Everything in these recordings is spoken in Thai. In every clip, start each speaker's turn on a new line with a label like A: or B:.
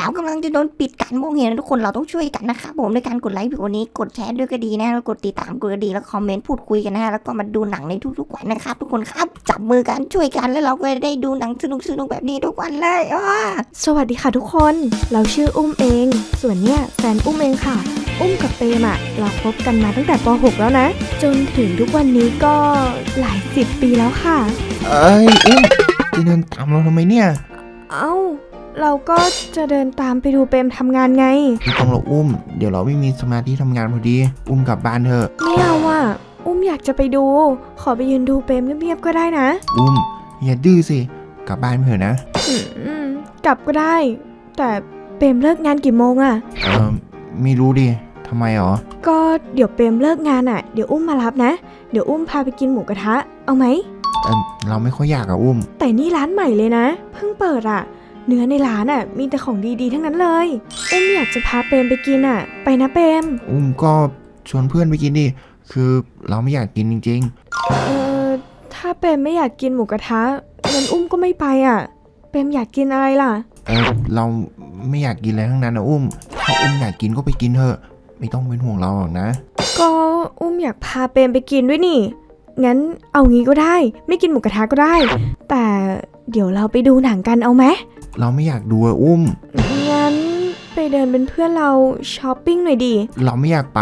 A: เรากำลังจะโดนปิดการมองเห็นทุกคนเราต้องช่วยกันนะครับผมในการกดไลค์วิดีโอนี้กดแชร์ด้วยก็ดีนะแล้วกดติดตามกดกระดิ่งแล้วคอมเมนต์พูดคุยกันนะแล้วก็มาดูหนังในทุกๆวันนะครับทุกคนครับจับมือกันช่วยกันแล้วเราก็ได้ดูหนังสนุกๆแบบนี้ทุกวันเลย
B: สวัสดีค่ะทุกคนเราชื่ออุ้มเองส่วนเนี่ยแฟนอุ้มเองค่ะอุ้มกับเปมอะเราคบกันมาตั้งแต่ป .6 แล้วนะจนถึงทุกวันนี้ก็หลาย10 ปีแล้วค่ะ
C: อุ้มจะเดินตามเราทำไมเนี่ย
B: เอ้าเราก็จะเดินตามไปดูเปมทำงานไง
C: ไม่ต้องหรอกอุ้มเดี๋ยวเราไม่มีสมาธิทำงานพอดีอุ้มกลับบ้านเถอะ
B: ไม่เอาอะอุ้มอยากจะไปดูขอไปยืนดูเปมเงียบๆก็ได้นะ
C: อุ้มอย่าดื้อสิกลับบ้านเถอะนะ
B: กลับก็ได้แต่เปมเลิกงานกี่โมงอะ
C: ไม่รู้ดิทำไมหรอ
B: ก็เดี๋ยวเปมเลิกงานอะเดี๋ยวอุ้มมารับนะเดี๋ยวอุ้มพาไปกินหมูกระทะเอาไหม
C: เราไม่ค่อยอยากอะอุ้ม
B: แต่นี่ร้านใหม่เลยนะเพิ่งเปิดอะเนื้อในร้านอ่ะมีแต่ของดีๆทั้งนั้นเลยอุ้มอยากจะพาเปมไปกินอ่ะไปนะเปม
C: อุ้มก็ชวนเพื่อนไปกินดิคือเราไม่อยากกินจริง
B: ๆถ้าเปมไม่อยากกินหมูกระทะงั้นอุ้มก็ไม่ไปอ่ะเปมอยากกินอะไรล่ะ
C: เราไม่อยากกินอะไรทั้งนั้นนะอุ้มถ้าอุ้มอยากกินก็ไปกินเถอะไม่ต้องเป็นห่วงเราหรอกนะ
B: ก็อุ้มอยากพาเปมไปกินด้วยนี่งั้นเอางี้ก็ได้ไม่กินหมูกระทะก็ได้แต่เดี๋ยวเราไปดูหนังกันเอาไหม
C: เราไม่อยากดูอุ้ม
B: งั้นไปเดินเป็นเพื่อนเราช้อปปิ้งหน่อยดิ
C: เราไม่อยากไป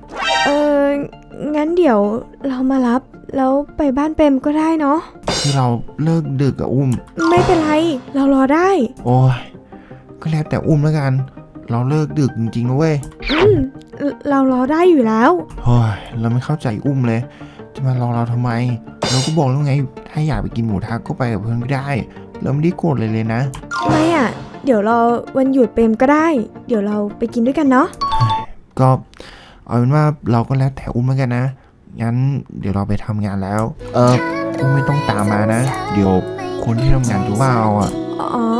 B: งั้นเดี๋ยวเรามารับแล้วไปบ้านเปมก็ได้เนาะ
C: คือเราเลิกดึกอะอุ้ม
B: ไม่เป็นไรเรารอได้
C: โอ้ยก็แล้วแต่อุ้มแล้วกันเราเลิกดึกจริงๆนะเว้ย
B: เรารอได้อยู่แล้ว
C: โอ้ยเราไม่เข้าใจอุ้มเลยจะมารอเราทำไมเราก็บอกแล้วไงถ้าอยากไปกินหมูทะก็ไปกับเพื่อนก็ได้เราไม่ได้โกรธเลยนะ
B: ไม่อ่ะเดี๋ยวเราวันหยุดเปรมก็ได้เดี๋ยวเราไปกินด้วยกันเนาะ
C: ก็เอาเป็นว่าเราก็แล้วแต่อุ้มแล้วกันนะงั้นเดี๋ยวเราไปทำงานแล้วอุ้มไม่ต้องตามมานะเดี๋ยวคนที่ทำงานจะว่าเอาอ่ะ
B: อ๋อ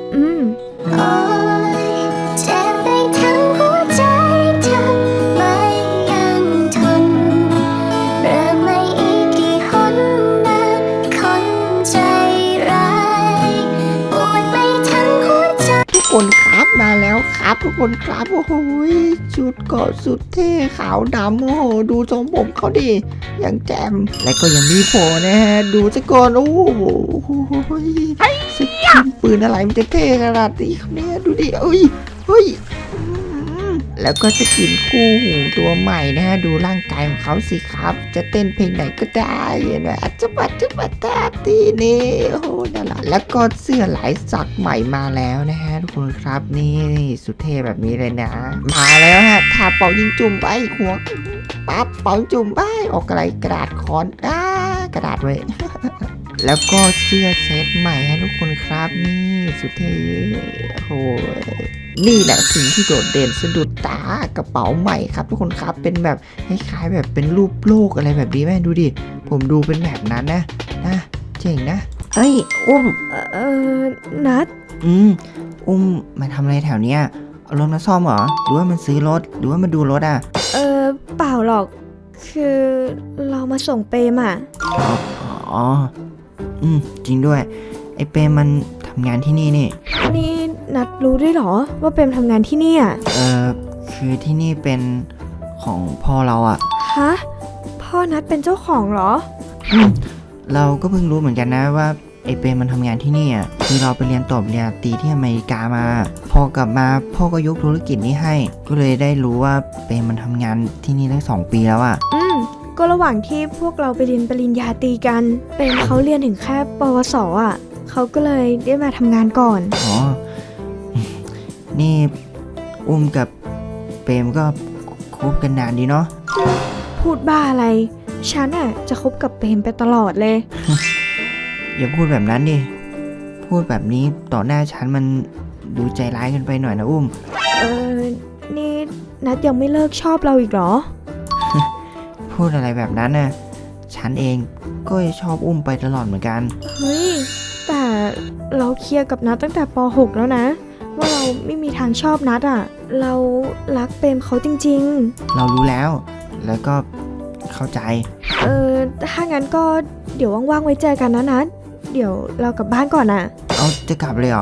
A: คนครับมาแล้วครับทุกคนครับโอ้โหชุดเกาะสุดเท่ขาวดำโอ้โหดูทรงผมเขาดิอย่างแจ่มและก็ยังมีโผล่นะฮะดูซะก่อนโอ้โหสกินปืนอะไรมันจะเท่ขนาดนี้ครับเนี่ยดูดิเฮ้ยแล้วก็สกินคู่หูตัวใหม่นะฮะดูร่างกายของเขาสิครับจะเต้นเพลงไหนก็ได้นะอัจฉริตาตีนี่โอ้โหนั่นแหละแล้วก็เสื้อลายสักใหม่มาแล้วนะฮะทุกคนครับนี่สุดเท่แบบนี้เลยนะมาแล้วฮะถ้าเป่ายิงจุ่มไปหัวปั๊บเป่าจุ่มไปออกอะไรกระดาษคอนกระดาษไว้ แล้วก็เสื้อเซตใหม่ฮะทุกคนครับนี่สุดเท่โอ้นี่แหละสิ่งที่โดดเด่นสะดุดตากระเป๋าใหม่ครับทุกคนครับเป็นแบบคล้ายๆแบบเป็นรูปโลกอะไรแบบนี้แม่ดูดิผมดูเป็นแบบนั้นนะเจ๋งนะเฮ้ยอุ้ม
B: นัด
A: อุ้มมาทำอะไรแถวเนี้ยเอารถมาซ่อมเหรอหรือว่ามันซื้อรถหรือว่ามาดูรถอ่ะ
B: เปล่าหรอกคือเรามาส่งเปมอ่ะ
A: อ๋อจริงด้วยไอเปมมันทำงานที่นี่นี่
B: นัดรู้ด้วยเหรอว่าเปมทำงานที่นี่อ่ะ
A: คือที่นี่เป็นของพ่อเราอ่ะ
B: ฮะพ่อนัดเป็นเจ้าของเหรอ
A: เราก็เพิ่งรู้เหมือนกันนะว่าไอเปมมันทำงานที่นี่อ่ะคือเราไปเรียนต่อปริญญาตรีที่อเมริกามาพอกลับมาพ่อก็ยกธุรกิจนี้ให้ก็เลยได้รู้ว่าเปมมันทำงานที่นี่ตั้ง2 ปีแล้วอ่ะ
B: ก็ระหว่างที่พวกเราไปเรียนปริญญาตรีกันเปมเขาเรียนถึงแค่ปวสอ่ะเขาก็เลยได้มาทำงานก่อน
A: อ๋อนี่อุ้มกับเปมก็คบกันนานดีเนาะ
B: พูดบ้าอะไรฉันอ่ะจะคบกับเปมไปตลอดเลย
A: อย่าพูดแบบนั้นดิพูดแบบนี้ต่อหน้าฉันมันดูใจร้ายกันไปหน่อยนะอุ้ม
B: นี่นัดยังไม่เลิกชอบเราอีกเหรอ
A: พูดอะไรแบบนั้นน่ะฉันเองก็ชอบอุ้มไปตลอดเหมือนกัน
B: เฮ้ยแต่เราเคลียร์กับนัดตั้งแต่ป .6 แล้วนะว่าเราไม่มีทางชอบนัดอ่ะเรารักเปมเขาจริง
A: ๆเรารู้แล้วก็เข้าใจ
B: ถ้างั้นก็เดี๋ยวว่างๆไว้เจอกันนะนัดเดี๋ยวเรากลับบ้านก่อนอ่ะ
A: เอาจะกลับเลยเหรอ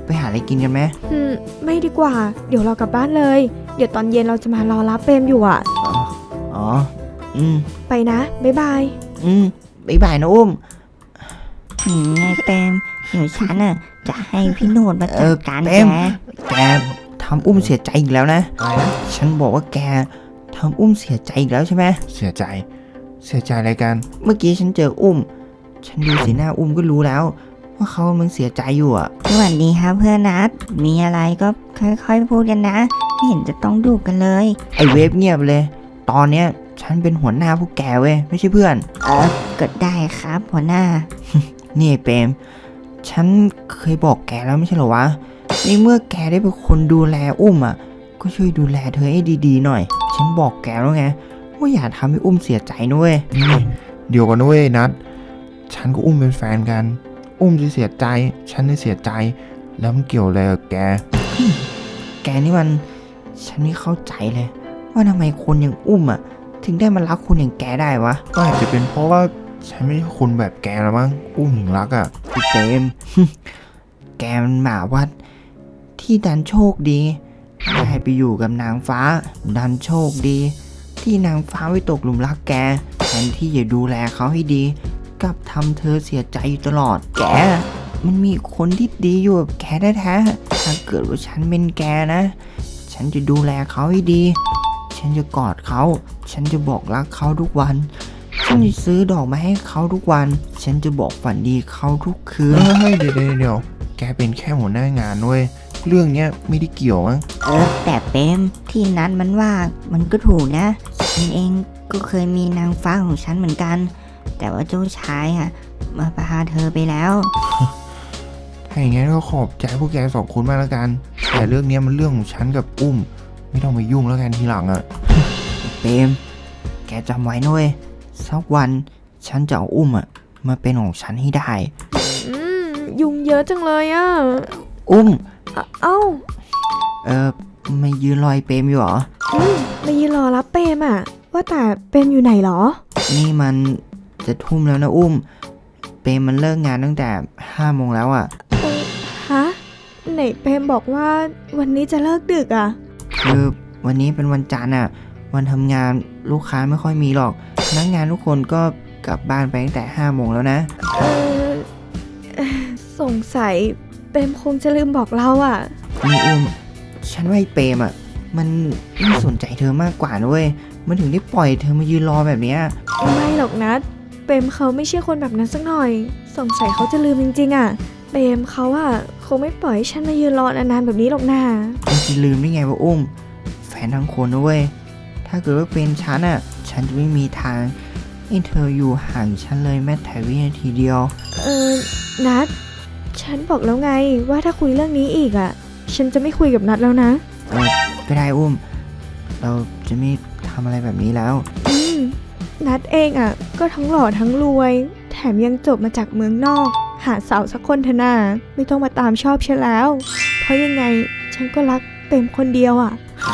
A: ไปหาอะไรกินกันไหม
B: ไม่ดีกว่า เดี๋ยวเรากลับบ้านเลย เดี๋ยวตอนเย็นเราจะมารอรับเปรมอยู่อ่ะ
A: อ๋อ
B: ไปนะบ๊ายบาย
A: บ๊ายบายนะอุ้ม
D: ไงเปรมเดี๋ยวฉันน่ะจะให้พี่โนดมาจัดการ
A: เปร
D: แก
A: ม แกทำอุ้มเสียใจอีกแล้วนะ
C: อะไรนะ
A: ฉันบอกว่าแกทำอุ้มเสียใจอีกแล้วใช่ไหม
C: เสียใจอะไรกัน
A: เมื่อกี้ฉันเจออุ้ม ฉันดูสีหน้าอุ้มก็รู้แล้ว ว่าเขากำลังเสียใจอยู่อ่ะ
D: สวัสดีครับเพื่อนนัดมีอะไรก็ค่อยๆพูดกันนะไม่เห็นจะต้องดุกันเลย
A: ไอเวฟเงียบเลย ตอนเนี้ยฉันเป็นหัวหน้าพวกแกเว้ยไม่ใช่เพื่อน
D: ก็ได้ครับหัวหน้า
A: นี่ไอ้เปรมฉันเคยบอกแกแล้วไม่ใช่เหรอวะในเมื่อแกได้เป็นคนดูแลอุ้มอ่ะ ก็ช่วยดูแลเธอให้ดีๆหน่อย ฉันบอกแกแล้วไงว่าอย่าทำให้อุ้มเสียใจนะเว้ย
C: นี่เดี๋ยวก่อนนะเว้ยนัดฉันก็อุ้มเป็นแฟนกัน อุ้มจะเสียใจ ฉันจะเสียใจ แล้วมันเกี่ยวอะไรกับแก
A: แกนี่มันฉันไม่เข้าใจเลย ว่าทำไมคนอย่างอุ้มอ่ะ ถึงได้มารักคนอย่างแกได้วะ
C: ก็อาจจะเป็นเพราะว่าฉันไม่ใช่คนแบบแกแล้วมั้ง อุ้มถึงรักอ่ะ
A: ไอ้เปรม แกมันหมาวัด ที่ดันโชคดีได้ไปอยู่กับนางฟ้า ดันโชคดี ที่นางฟ้าไม่ตกหลุมรักแกแทนที่จะดูแลเขาให้ดีกลับทำเธอเสียใจอยู่ตลอด แกมันมีคนที่ดีอยู่กับแกแท้ๆถ้าเกิดว่าฉันเป็นแกนะ ฉันจะดูแลเขาให้ดี ฉันจะกอดเขา ฉันจะบอกรักเขาทุกวัน ฉันจะซื้อดอกมาให้เขาทุกวัน ฉันจะบอกฝันดีเขาทุกคืน
C: เฮ้ยเดี๋ยวแกเป็นแค่หัวหน้างานเว้ย เรื่องเนี้ยไม่ได้เกี่ยวมั้ง
D: แต่เปรมที่นัดมันว่ามันก็ถูกนะฉันเองก็เคยมีนางฟ้าของฉันเหมือนกัน แต่ว่าเจ้าชายอ่ะมาพาเธอไปแล้ว
C: ถ้าอย่างงั้นก็ขอบใจพวกแกสองคนมากแล้วกัน แต่เรื่องเนี้ยมันเรื่องของฉันกับอุ้ม ไม่ต้องมายุ่งแล้วกันทีหลังอ่ะ
A: เปรมแกจำไว้นะเว้ยสักวันฉันจะเอาอุ้มอ่ะมาเป็นของฉันให้ได้
B: ยุงเยอะจังเลยอ่ะ
A: อุ้ม
B: เอ้า
A: มายืนรอยเปรมอยู่เหรอ
B: มายืนรอรับเปรมอ่ะ ว่าแต่เปรมอยู่ไหนเหรอ
A: นี่มันจะทุ่มแล้วนะอุ้ม เปรมมันเลิกงานตั้งแต่5 โมงแล้วอ่ะ
B: ฮะ ไหนเปรมบอกว่าวันนี้จะเลิกดึกอ่ะ
A: คือวันนี้เป็นวันจันทร์อ่ะ วันทำงานลูกค้าไม่ค่อยมีหรอกพนักงานทุกคนก็กลับบ้านไปตั้งแต่5 โมงแล้วนะ
B: เออสงสัยเปรมคงจะลืมบอกเราอ่ะ
A: นี่อุ้ม ฉันว่าไอ้เปรมอ่ะ มันไม่สนใจเธอมากกว่านะเว้ย มันถึงได้ปล่อยเธอมายืนรอแบบเนี้ย
B: ไม่หรอกนะเปรมเขาไม่ใช่คนแบบนั้นสักหน่อย สงสัยเขาจะลืมจริงๆอ่ะ เปรมเขาอ่ะคงไม่ปล่อยให้ฉันมายืนรอนานๆแบบนี้หรอกนะ
A: มันจะลืมได้ไงวะอุ้ม แฟนทั้งคนนะเว้ย ถ้าเกิดว่าเป็นฉันอ่ะ ฉันจะไม่มีทางให้เธออยู่ห่างฉันเลยแม้แต่วินาทีเดียว
B: นัดฉันบอกแล้วไงว่าถ้าคุยเรื่องนี้อีกอ่ะ ฉันจะไม่คุยกับนัดแล้วนะ
A: ก็ได้อุ้ม เราจะไม่ทำอะไรแบบนี้แล้ว
B: นัดเองอ่ะก็ทั้งหล่อทั้งรวย แถมยังจบมาจากเมืองนอก หาสาวสักคนเถอะนาไม่ต้องมาตามชอบฉันแล้ว เพราะยังไงฉันก็รักเปรมคนเดียวอ่ะ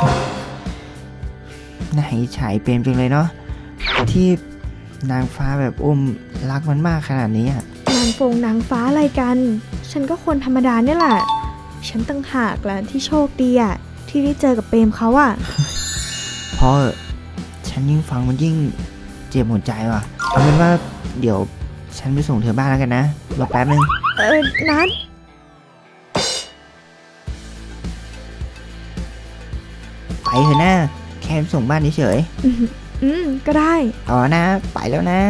A: น่าอิจฉาไอ้เปรมจังเลยเนาะ ที่นางฟ้าแบบอุ้มรักมันมากขนาดนี้อ่ะ
B: นางฟ้าอะไรกัน ฉันก็คนธรรมดาเนี่ยแหละ ฉันตั้งหากแหละที่โชคดีอ่ะที่ได้เจอกับเปรมเขาอ่ะ
A: เพราะฉันยิ่งฟังมันยิ่งเจ็บหัวใจว่ะ เอาเป็นว่าเดี๋ยวฉันไปส่งเธอบ้านแล้วกันนะ รอแป๊บนึง
B: นัด
A: ไปเถอะนะแค่ไปส่งบ้านเฉย
B: ก็ได้
A: ๆเอานะ ไปแล้วนะ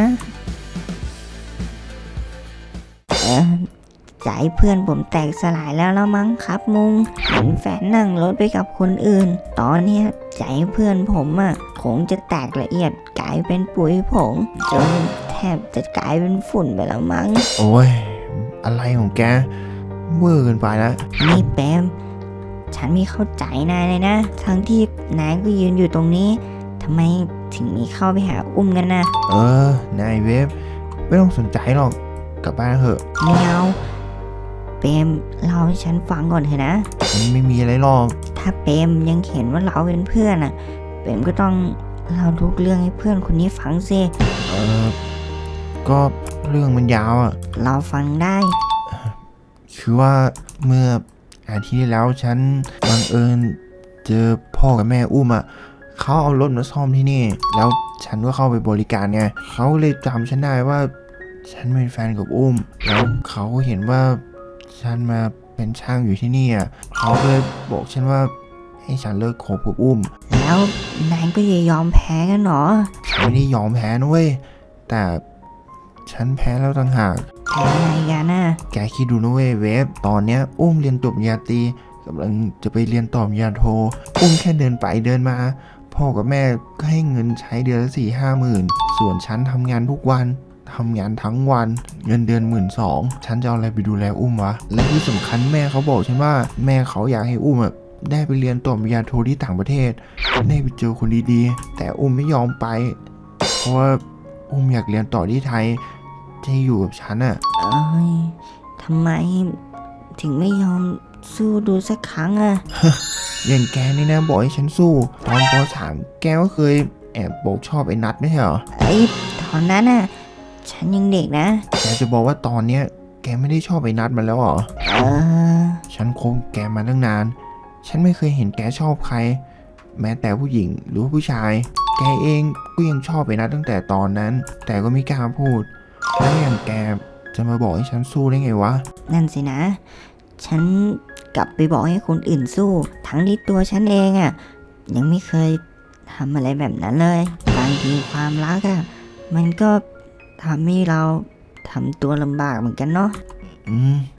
D: ใจเพื่อนผมแตกสลายแล้วมั้งครับมุงเห็นแฟนนั่งรถไปกับคนอื่น ตอนเนี้ยใจเพื่อนผมอ่ะคงจะแตกละเอียดกลายเป็นปุ๋ยผงจนแทบจะกลายเป็นฝุ่นไปแล้วมั้ง
C: โอ้ย อะไรของแก เวอร์เกินไปแล้ว
D: นี่แปมฉันไม่เข้าใจนายเลยนะ ทั้งที่นายก็ยืนอยู่ตรงนี้ทำไมถึงมีเข้าไปหาอุ้มกันนะ
C: นายเวฟไม่ต้องสนใจหรอก กลับบ้านเถอะ
D: ไม่เอาเปมเล่าให้ฉันฟังก่อนเถอะนะ
C: มันไม่มีอะไรหรอก
D: ถ้าเปมยังเห็นว่าเราเป็นเพื่อนอ่ะ เปมก็ต้องเล่าทุกเรื่องให้เพื่อนคนนี้ฟังสิ
C: ก็เรื่องมันยาวอ่ะ
D: เราฟังได้
C: คือว่าเมื่ออาทิตย์ที่แล้วฉันบังเอิญเจอพ่อกับแม่อุ้มอ่ะเขาเอารถมาซ่อมที่นี่ แล้วฉันก็เข้าไปบริการไงเขาเลยจำฉันได้ว่าฉันเป็นแฟนกับอุ้ม แล้วเขาก็เห็นว่าฉันมาเป็นช่างอยู่ที่นี่อ่ะเขาก็เลยบอกฉันว่าให้ฉันเลิกคบกับอุ้ม
D: แล้วนายก็อย่ายอมแพ้กันหรอ
C: ฉันไม่ได้ยอมแพ้นะเว้ยแต่ฉันแพ้แล้วต่างหาก
D: แพ้อะไรกันน่ะ
C: แกคิดดูนะเว้ยเวฟตอนเนี้ยอุ้มเรียนจบปริญญาตรีกำลังจะไปเรียนต่อปริญญาโทอุ้มแค่เดินไปเดินมาพ่อกับแม่ก็ให้เงินใช้เดือนละ4-5 หมื่นส่วนฉันทำงานทุกวันทำงานทั้งวันเงินเดือน12,000ฉันจะเอาอะไรไปดูแลอุ้มวะและที่สำคัญแม่เขาบอกฉันว่าแม่เขาอยากให้อุ้มได้ไปเรียนต่อปริญญาโทที่ต่างประเทศได้ไปเจอคนดีๆแต่อุ้มไม่ยอมไปเพราะว่าอุ้มอยากเรียนต่อที่ไทยจะอยู่กับฉันอะ
D: เอ้ยทำไมถึงไม่ยอมสู้ดูสักครั้งอะ
C: อย่างแกนี่นะบอกให้ฉันสู้ตอนป .3 แกก็เคยแอบบอกชอบไอ้นัทไม่ใช่เหรอ
D: ตอนนั้นน่ะ ฉันยังเด็กนะ
C: แกจะบอกว่าตอนเนี้ยแกไม่ได้ชอบไอ้นัทมันแล้วเหรอ ฉันคบแกมาตั้งนาน ฉันไม่เคยเห็นแกชอบใคร แม้แต่ผู้หญิงหรือว่าผู้ชาย แกเองก็ยังชอบไอ้นัทตั้งแต่ตอนนั้น แต่ก็ไม่กล้าพูด แล้วอย่างแกจะมาบอกให้ฉันสู้ได้ไงวะ
D: นั่นสินะ ฉันกลับไปบอกให้คนอื่นสู้ ทั้งที่ตัวฉันเองอะยังไม่เคยทำอะไรแบบนั้นเลย บางทีความรักอะมันก็ทำให้เราทำตัวลำบากเหมือนกันเนาะ
C: อืม